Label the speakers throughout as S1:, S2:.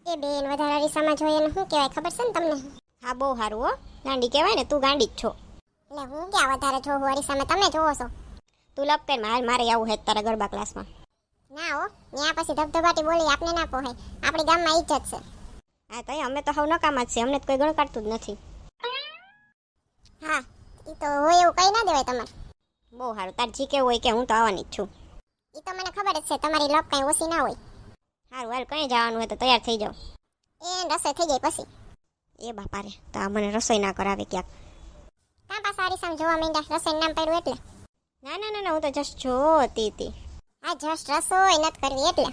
S1: એ બેન વધારે અરીસામાં જોઈએ ને શું કહેવાય ખબર છે ને તમને?
S2: હા બહુ સારું હો. ગાંડી કહેવાય ને, તું ગાંડી જ છો.
S1: એટલે હું ક્યાં વધારે જોઉં અરીસામાં, તમે જોવો છો?
S2: તું લપ કર હાલ, મારે આવું હે તારા ગરબા ક્લાસમાં.
S1: ના હો, ત્યાં પછી ધબધબાટી બોલી આપને ના પોહાય. આપણી ગામમાં ઇજ્જત છે.
S2: હા તો અમે તો હાવ નકામા જ છે, અમને તો કોઈ ગણકારતું જ નથી.
S1: હા એ તો હોય એવું કઈ ના દેવાય તમારે.
S2: બહુ સારું, તાર જી કેવું હોય કે હું તો આવવાની જ છું.
S1: એ તો મને ખબર જ છે, તમારી લપ કઈ ઓછી ના હોય.
S2: સારું હાલ, કઈ જવાનું હોય તો તૈયાર થઈ જાઓ.
S1: એ રસોઈ થઈ જાય પછી.
S2: એ બાપા રે, તો આ મને રસોઈ ના કરાવે ક્યાંક.
S1: કાં પાછા અરીસામાં જોવા માંડ્યા રસોઈનું નામ પડ્યું એટલે?
S2: ના ના ના ના, હું તો જસ્ટ જોતી હતી.
S1: આ જસ્ટ રસોઈ નથી કરવી એટલે.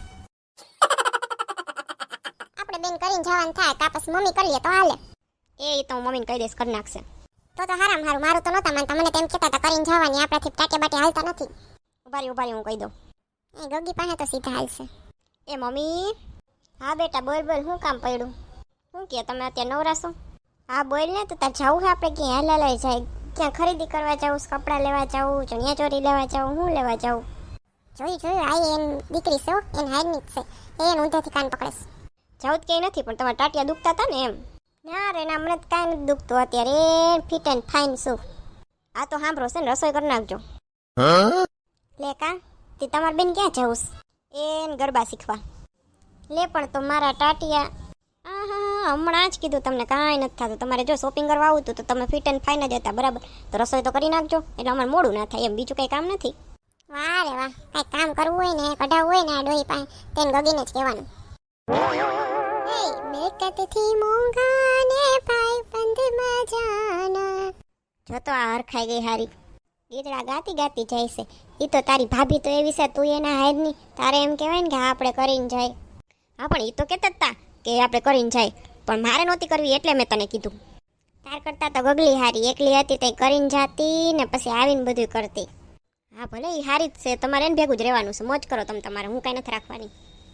S1: આપણે બેન કરીને જવાનું થાય, કાં પછી મમ્મી કરી લે તો હાલે.
S2: એ તો હું મમ્મીને કહી દઈશ, કરી નાખશે.
S1: તો હારામ હારું, મારું તો નહોતા માનતા, મને તેમ કહેતા હતા કરીને જવાની, આપણાથી ટાટે બાટે હાલતા નથી.
S2: ઉભા રહી, હું કહી દઉં.
S1: એ ગગી પાસે તો સીધા હાલશે.
S2: એ મમ્મી. હા બેટા બોલ બોલ, શું કામ પડ્યું? શું કહે તમે અત્યારે નવરાશો? હા બોલ ને, તો તાર જવું છે આપણે ક્યાં? હાલ જાય, ક્યાં ખરીદી કરવા જાવું, કપડાં લેવા જાવું, ચણિયા ચોરી લેવા જાવું, શું લેવા જાવું?
S1: જોયું આ એન દીકરી છે, એન હારની જ છે, એને ઊંધેથી કાન પકડેશ.
S2: જવું જ કંઈ નથી, પણ તમારા ટાટિયા દુખતા હતા ને એમ. ના રે ના, મને કાંઈ નથી દુખતું અત્યારે, એ ફિટ એન્ડ ફાઇન છું. આ તો સાંભળો છે ને, રસોઈ કરી નાખજો. લે કા તે તમારી બેન ક્યાં જવું? એને ગરબા શીખવા. લે પણ તો મારા ટાટિયા. હા હમણાં જ કીધું તમને, કાંઈ નથી થતું. તમારે જો શોપિંગ કરવા આવું હતું તો તમે ફિટ એન્ડ ફાઇન જ હતા, બરાબર? તો રસોઈ તો કરી નાખજો, એટલે અમારે મોડું ના થાય એમ, બીજું કંઈ કામ નથી.
S1: વાહ રે વાહ, કાંઈ કામ કરવું હોય ને કઢાવવું હોય ને આ ડોહી પાસે, તેને ગગીને જ કહેવાનું. મેકતથી મોંઘા ને ભાઈ બંધમાં જાના.
S2: જો તો આ હરખાઈ ગઈ હારી, ગીતડા ગાતી ગાતી જાય છે. એ તો તારી ભાભી તો એવી છે, તું એના હાયરની, તારે એમ કહેવાય ને કે હા આપણે કરીને જાય. હા પણ એ તો કહેતા જ તા કે આપણે કરીને જાય, પણ મારે નહોતી કરવી એટલે મેં તને કીધું. તાર કરતા તો ગગલી હારી, એકલી હતી તે કરીને જાતી ને પછી આવીને બધું કરતી. હા ભલે એ હારી જ છે, તમારે એને ભેગું જ રહેવાનું છે, મોજ કરો તમે તમારે, હું કાંઈ નથી રાખવાની.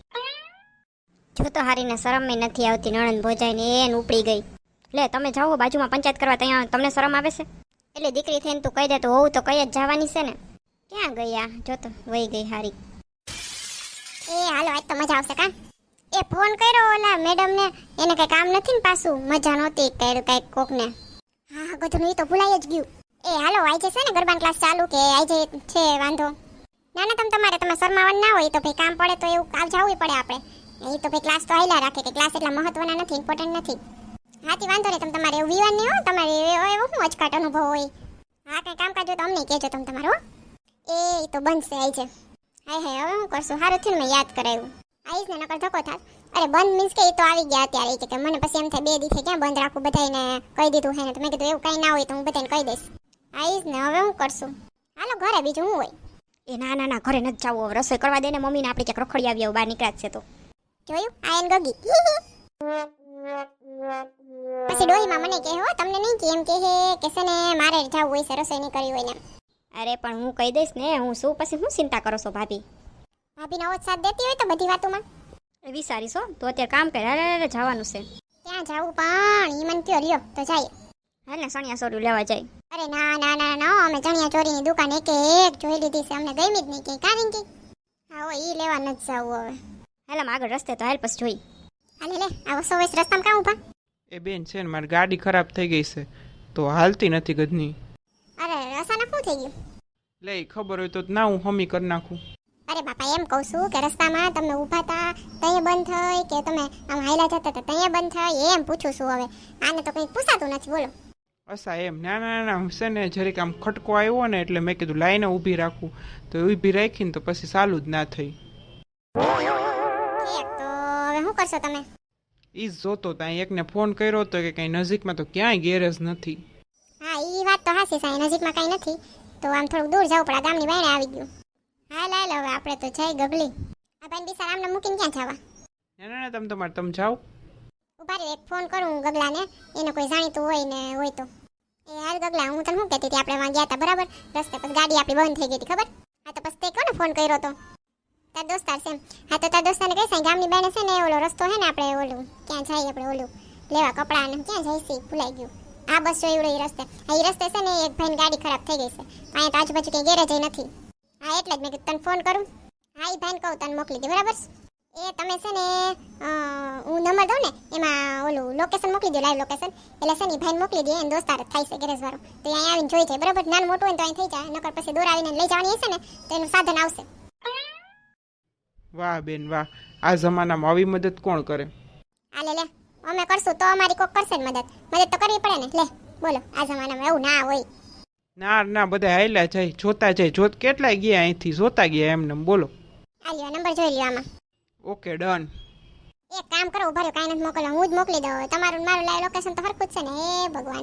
S2: જો તો હારીને શરમ નથી આવતી, નણંદ ભોજાઈને એને ઉપડી ગઈ. લે તમે જાઓ બાજુમાં પંચાયત કરવા, ત્યાં તમને શરમ આવે છે? એટલે દીકરી થઈને તું કહી દે તો હોવું તો કઈ જ જવાની છે ને. ક્યાં ગયા? જો તો વહી ગઈ હારી.
S1: એ હાલો આજ તો મજા આવશે કા. એ ફોન કર્યો ઓલા મેડમ ને, એને કઈ કામ નથી ને પાછું, મજા નહોતી કર્યું કઈક કોક ને. હા ગધું, એ તો ભૂલાઈ જ ગયું. એ હાલો આજે છે ને ગરબાનો ક્લાસ ચાલુ કે આજે છે વાંધો? ના ના તમે શરમાવાનું ના હોય તો ભાઈ, કામ પડે તો એવું જવું પડે આપણે. એ તો ભાઈ ક્લાસ તો હાલ્યા રાખે, કે ક્લાસ એટલા મહત્વના નથી, ઇમ્પોર્ટન્ટ નથી. હાથી વાંધો નહીં, તમારે એવું વિવાન નહીં હો, તમારે એવો શું અચકાટ અનુભવ હોય. હા કઈ કામકાજ હોય તો અમને કહેજો તમે તમારો. એ તો બંધ છે આઈ છે. હાય હાય હવે હું કરશું, સારું થયું ને મેં યાદ કરાવ્યું. આવીશ ને નકર ધક્કો થાત. અરે બંધ મીન્સ કે એ તો આવી ગયા અત્યારે, કે મને પછી એમ થાય 2 દિવસે ક્યાં બંધ રાખું, બધાને કહી દીધું હે ને, તો મેં કીધું એવું કંઈ ના હોય તો હું બધાને કહી દઈશ. આવીશ ને હવે હું કરશું. હાલો ઘરે બીજું શું હોય.
S2: એ ના ના ના, ઘરે નથી જવું, રસોઈ કરવા દે ને મમ્મીને, આપણે ક્યાંક રખડી આવીએ, બહાર નીકળ્યા છે તો.
S1: જોયું આ એન ગગી. પછી ડોહીમાં મને કહે હો, તમને નહીં કે એમ કે છે ને મારે જવું હોય છે, રસોઈ નહીં કરી હોય ને.
S2: અરે પણ હું કહી દઈશ ને, હું શું પછી શું ચિંતા કરો છો ભાભી?
S1: ભાભીનો ઓછ સાથ દેતી હોય તો બધી વાતોમાં
S2: વિચારીશ હો, તો અત્યારે કામ કરે, અરે જવાનું છે.
S1: ત્યાં જાવું પણ ઈ મન કયો લ્યો તો જાય.
S2: હાલ ને સણિયા સોરું લેવા જાય.
S1: અરે ના ના ના ના, અમે ચણિયા ચોરીની દુકાન એક જોઈ લીધી છે, અમને ગમી જ નહીં કે કારણ કે હા હો ઈ લેવા નથી જવું હવે.
S2: હાલ આમ આગળ રસ્તે તો હાલ પછી જોઈ.
S1: હાલે લે આવો સો વસ રસ્તામાં કામ ઉભા.
S3: એ બેન છે ને, મારી ગાડી ખરાબ થઈ ગઈ છે તો હાલતી નથી ગધની.
S1: અરે અચાનક શું થઈ ગયું?
S3: લે ખબર હોય તો ના હું હમી કરી નાખું.
S1: અરે બાપા એમ કહું છું કે રસ્તામાં તમે ઊભા હતા તઈએ બંધ થઈ કે તમે આમ હાયલા જતા હતા તઈએ બંધ થઈ, એમ પૂછું છું. હવે આને તો કંઈ પૂછાતું નથી, બોલો.
S3: અસા એમ ના ના ના છે ને, જરીક આમ ખટકો આવ્યો ને એટલે મેં કીધું લાઈને ઊભી રાખું, તો ઊભી રાખીને તો પછી ચાલુ જ ના થઈ.
S1: ઠીક તો હવે શું કરશો તમે?
S3: ઈ જ જોતો ત્યાં એકને ફોન કર્યો હતો કે કંઈ નજીકમાં તો ક્યાંય ગેરેજ નથી.
S1: હા ઈ વાત તો હાસી સાઈ, નજીકમાં કાંઈ નથી તો આમ થોડુંક દૂર જવું પડે, ગામની બાયણે આવી ગયું. હાલ હાલ હવે આપણે તો જઈ ગગલી. આ ભાઈ બિસાર આમને મૂકીને ક્યાં જવા?
S3: ના ના ના તમે જાઓ.
S1: ઉભા રહી એક ફોન કરું ગગલાને, એને કોઈ જાણીતું હોય ને હોય તો. એ હાલ ગગલા, હું તને શું કહેતી હતી, આપણે વાં ગયા હતા બરાબર, રસ્તે પછી ગાડી આપણી બંધ થઈ ગઈ હતી ખબર? હા તો પછી તે કોને ફોન કર્યો તો? તાર દોસ્તાર છે. હા તો તાર દોસ્તારને કહી સાઈ ગામની બાયણે છે ને ઓલો રસ્તો હે ને, આપણે ઓલું ક્યાં જાય આપણે ઓલું લેવા કપડાં ને ક્યાં જાય છે ભૂલાઈ ગયું. આ બસ જોઈ એ રસ્તે. હા એ રસ્તે છે ને એક ભાઈની ગાડી ખરાબ થઈ ગઈ છે, અહીંયા તો આજુબાજુ કંઈ ગેરેજ નથી. હા એટલે જ મેં કીધું તને ફોન કરું. હા એ ભાઈને કહું તને મોકલી દે બરાબર. એ તમે છે ને હું નંબર દઉં ને એમાં ઓલું લોકેશન મોકલી દો, લાઈવ લોકેશન. એટલે છે ને ઈ ભાઈને મોકલી દે, એને દોસ્તાર જ થાય છે ગેરેજ વાળો. તો અહીંયા આવીને જોઈ જાય બરાબર. નાનું મોટું હોય ને તો અહીં થઈ જાય, નકર પછી દૂર આવીને લઈ જવાની હશે ને તો એનું સાધન આવશે.
S3: વાહ બેન વાહ, આ જમાનામાં આવી મદદ કોણ કરે?
S1: આલે લે, અમે કરશું તો અમારી કોક કરશે ને મદદ. મદદ તો કરવી પડે ને. લે બોલો, આ જમાનામાં એવું ના હોય.
S3: ના ના, બધા હાલ્યા જાય, જોતા જાય. જોત કેટલાય ગયા અહીંથી, જોતા ગયા એમને. બોલો.
S1: આ લ્યો નંબર જોઈ લ્યો આમાં.
S3: Okay done.
S1: એક કામ કરો, ઉભા રહ્યો, કાંઈ નથી મોકલો, હું જ મોકલી દઉં. તમારું મારું લાઈવ લોકેશન તો હરખું જ છે ને. હે ભગવાન,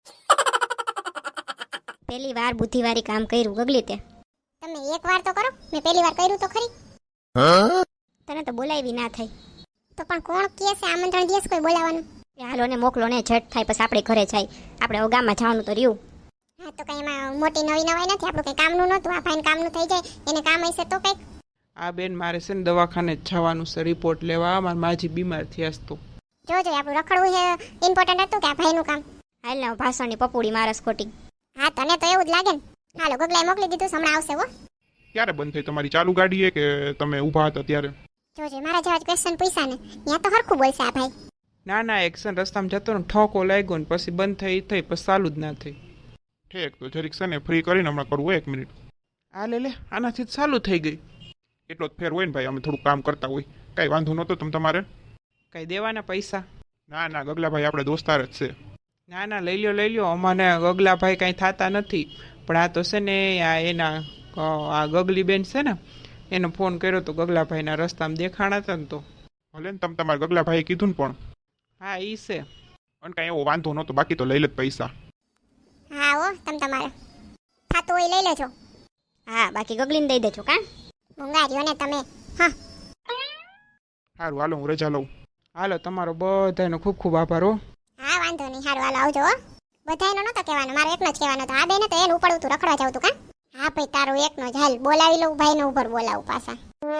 S2: પહેલી વાર બુદ્ધિવાળી કામ કર્યું ગગલી તે.
S1: તમે એક વાર તો કરો. મેં પહેલી વાર કર્યું તો ખરી.
S2: તને તો બોલાવી ના થઈ.
S1: તો પણ કોણ કહે છે આમંત્રણ દિવસ કોઈ બોલાવાનું?
S2: એ હાલો ને મોકલો ને, ઝટ થાય પછી આપણે ઘરે જાય. આપણે હવે ગામમાં જવાનું તો રહ્યું.
S1: હા તો કઈ એમાં મોટી નવી નવાઈ નથી. આપણું કઈ કામનું નહોતું, આ ભાઈને કામનું થઈ જાય. એને કામ હશે તો કઈક.
S3: આ બેન મારે છે ને દવાખાને જ જવાનું છે રિપોર્ટ લેવા. મારી માજી બીમાર થયા છે તો.
S1: જોજો આપણું રખડવું છે ઇમ્પોર્ટન્ટ હતું કે આ ભાઈનું કામ?
S2: હાલ ને ભાષણની પપુડી મારસ ખોટી.
S1: હા તને તો એવું જ લાગે ને. હાલો ગગલાએ મોકલી દીધું, હમણાં આવશે હો.
S4: ક્યારે બંધ થઈ તમારી ચાલુ ગાડી એ કે તમે ઊભા હતા ત્યારે?
S1: જોજે મારા જેવા ક્વેશ્ચન પૂછ્યા ને ત્યાં તો હરખું બોલશે આ ભાઈ.
S3: ના ના, એક્શન રસ્તામાં જતો ને ઠોકો લાગ્યો ને પછી બંધ થઈ પછી ચાલુ જ ના થઈ.
S4: ઠીક, તો જરીક છે ને ફ્રી કરીને હમણાં કરવું હોય 1 મિનિટ.
S3: આ લે આનાથી જ ચાલુ થઈ ગઈ.
S4: એટલો જ ફેર હોય ને ભાઈ, અમે થોડું કામ કરતા હોય. કાંઈ વાંધો નહોતો તમારે?
S3: કઈ દેવાના પૈસા?
S4: ના ના, ગગલાભાઈ આપણે દોસ્તાર જ છે.
S3: ના ના, લઈ લ્યો. અમાને ગગલાભાઈ કાંઈ થતા નથી. પણ આ તો છે ને આ એના આ ગગલી બેન છે ને એને ફોન કર્યો તો ગગલાભાઈના રસ્તામાં દેખાણા હતા ને તો.
S4: ભલે ને તમારા ગગલાભાઈએ કીધું ને પણ.
S3: હા ઈ છે.
S4: અને કાંઈ એવો વાંધો નહોતો, બાકી તો લઈ લે પૈસા.
S1: હા હો, તમારે થાતું હોય લઈ લેજો.
S2: હા બાકી ગગલીને દઈ દેજો કાં.
S1: મુંગારીઓ ને તમે. હા
S4: સારું હાલો, હું રજા લઉં.
S3: હાલો, તમારો બધાનો ખૂબ ખૂબ આભાર હો.
S1: હા વાંધો નહીં, સારું હાલો આવજો હો. બધાયનો નતો કહેવાનો, મારો એકનો જ કહેવાનો હતો. આ બેને તો એને ઉપડવું તું, રખડવા જાવ તું કાં? હા ભાઈ તારું એકનો જ. હાલ બોલાવી લઉં ભાઈને, ઉપર બોલાવું પાછા.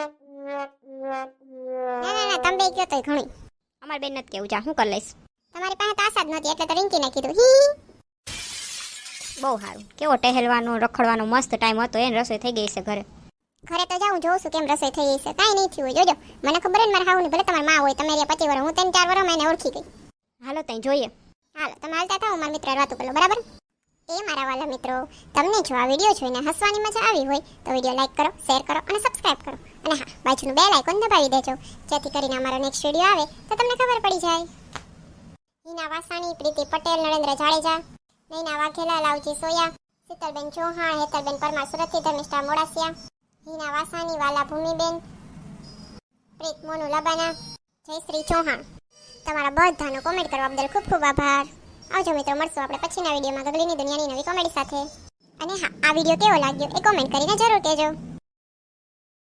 S1: ના તમે બે કયો તોય ઘણી.
S2: અમારે બેન નથી કેવું, જા હું કરી લઈશ.
S1: તમારી પાસે તો આશા જ નહોતી એટલે તો રિંકીને કીધું. હી
S2: બહુ સારું. કેવો ટહેલવાનો રખડવાનો મસ્ત ટાઈમ હતો. એને રસોઈ થઈ ગઈ છે ઘરે.
S1: ઘરે તો જાઉં જોઉં છું કેમ રસોઈ થઈ ગઈ છે. કાંઈ નહીં થયું હોય, જોજો. મને ખબર ને મારા હાઉની ભલે તમારી માં હોય, તમે 25 વર્ષ, હું 3-4 વર્ષમાં એને ઓળખી ગઈ.
S2: હાલો ત્યાં જોઈએ.
S1: હાલો તમે હાલતા થાઓ, મારા મિત્ર વાતો કરો બરાબર. એ મારા વાલા મિત્રો, તમને જો આ વિડીયો જોઈને હસવાની મજા આવી હોય તો વિડીયો લાઈક કરો, શેર કરો અને સબસ્ક્રાઇબ કરો. અને હા, બાજુનું બેલ આઇકોન દબાવી દેજો, જેથી કરીને અમારો નેક્સ્ટ વિડીયો આવે તો તમને ખબર પડી જાય. હિના વાસાણી, પ્રીતિ પટેલ, નરેન્દ્ર જાડેજા, નૈના વાઘેલા, લાવજી સોયા, શીતલબેન ચૌહાણ, હેતલબેન પરમાર સુરતથી, ધર્મિષ્ઠા મોડાસિયા, હિના વાસાણી, વાલા ભૂમિબેન, પ્રીત મોનુ લબાના, જયશ્રી ચૌહાણ. તમારા બધાનો કોમેન્ટ કરવા બદલ ખૂબ ખૂબ આભાર. આવજો મિત્રો, મળશું આપણે પછીના વિડીયોમાં ગગલીની દુનિયાની નવી કોમેડી સાથે. અને હા, આ વિડીયો કેવો લાગ્યો એ કોમેન્ટ કરીને જરૂર કહેજો.